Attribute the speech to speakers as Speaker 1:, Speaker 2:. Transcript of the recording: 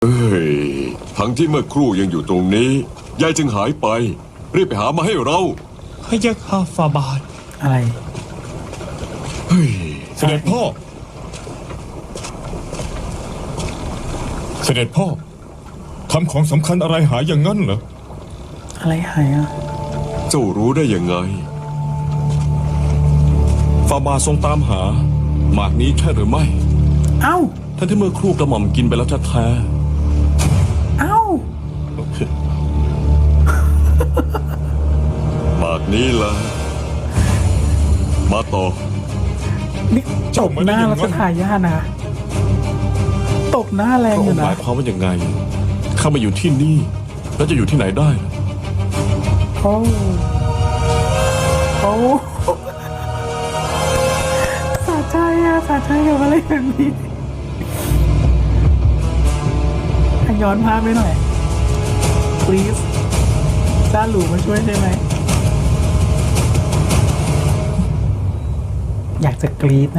Speaker 1: เอ้ยทั้งที่เมื่อครู่ยังอยู่ตรงนี้ยายจึงหายไปรีบไปหามาให้เรา
Speaker 2: พะยะค่ะฟาบาท
Speaker 3: อะไร
Speaker 1: เฮ้ย
Speaker 2: เสด็จพ่อ เสด็จพ่อทำของสำคัญอะไรหายอย่างนั้นเหรอ
Speaker 3: อะไรหายอ่ะ
Speaker 1: เจ้ารู้ได้ยังไง
Speaker 4: ฟาบาทรงตามหาหมากนี้ใช่หรือไม่
Speaker 3: เอ้า
Speaker 4: ท่านที่เมื่อครู่กระหม่อมกินไปแล้วแท้
Speaker 3: เอ้า
Speaker 1: หมากนี้ละมาต่อ
Speaker 3: นี่ตบหน้ารัชทายาทนะตบหน้าแร
Speaker 4: ๆ
Speaker 3: ง
Speaker 4: พระ
Speaker 3: อ
Speaker 4: อง
Speaker 3: ยู่
Speaker 4: ค์ห
Speaker 3: นะ
Speaker 4: มายความว่าอย่างไงข้ามาอยู่ที่นี่ แล้วจะอยู่ที่ไหนได้ล่ะ
Speaker 3: โอ้โอ้สะใจอะสะใจกับอะไรแบบนี้ย้อนภาพไปหน่อย please จ้าหลูมาช่วยได้ไหม อยากจะกรี๊ดนะ